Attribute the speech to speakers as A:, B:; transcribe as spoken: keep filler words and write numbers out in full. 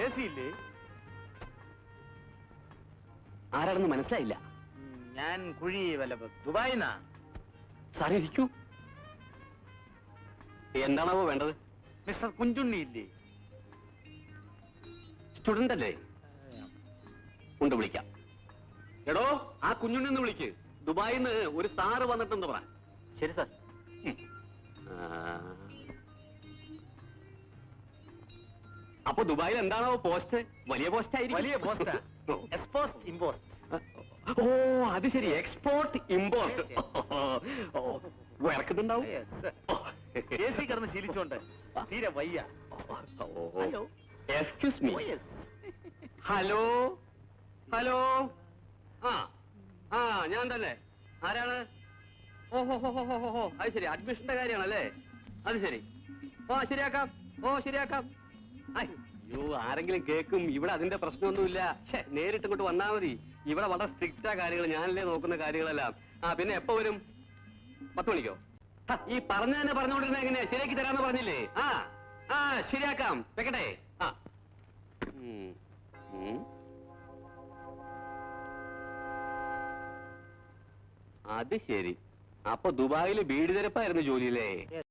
A: A C ഇല്ലേ?
B: ആരാണെന്ന് മനസ്സിലായില്ല.
A: ഞാൻ കുഴി വല്ല ദുബായിന്നാ.
B: സാറേ ഇരിക്കൂ. എന്താണാവോ വേണ്ടത്?
A: മിസ്റ്റർ കുഞ്ചുണ്ണി ഇല്ലേ?
B: സ്റ്റുഡന്റ് അല്ലേ? ഉണ്ട്, വിളിക്കാം. എടോ, ആ കുഞ്ഞുണ്ണി ഒന്ന് വിളിക്ക്. ദുബായിന്ന് ഒരു സാറ് വന്നിട്ടെന്ന് പറ. ശരി സാർ. അപ്പൊ ദുബായിൽ എന്താണോ പോസ്റ്റ്? വലിയ പോസ്റ്റ് ആയിരിക്കും.
A: വലിയ പോസ്റ്റ്. Ex post imposed.
B: ഓ അത് ശരി, എക്സ്പോർട്ട് ഇമ്പോർട്ട്. ഇറക്കുന്നുണ്ടാവും.
A: എ സി കിടന്ന് ശീലിച്ചോണ്ട് തീരെ വയ്യ.
B: Hello, excuse me. Hello hello. ആ ആ ഞാൻ തന്നെ. ആരാണ്? ഓഹോ ഹോ ഹോ ഹോ ഹോ അത് ശരി, അഡ്മിഷന്റെ കാര്യമാണല്ലേ? അത് ശരി. ഓ ശരിയാക്കാം, ഓ ശരിയാക്കാം. അയ്യോ, ആരെങ്കിലും കേൾക്കും. ഇവിടെ അതിന്റെ പ്രശ്നമൊന്നുമില്ല. നേരിട്ട് ഇങ്ങോട്ട് വന്നാൽ മതി. ഇവിടെ വളരെ സ്ട്രിക്റ്റാ കാര്യങ്ങൾ. ഞാനല്ലേ നോക്കുന്ന കാര്യങ്ങളെല്ലാം. ആ പിന്നെ എപ്പോ വരും? പത്ത് മണിക്കോ? ഈ പറഞ്ഞ തന്നെ പറഞ്ഞുകൊണ്ടിരുന്ന എങ്ങനെയാ? ശരിയാക്കി തരാന്ന് പറഞ്ഞില്ലേ? ആ ആ ശരിയാക്കാം. വെക്കട്ടെ. ആ അത് ശരി. അപ്പൊ ദുബായിൽ ബീഡി തിരപ്പായിരുന്നു ജോലിയില്ലേ?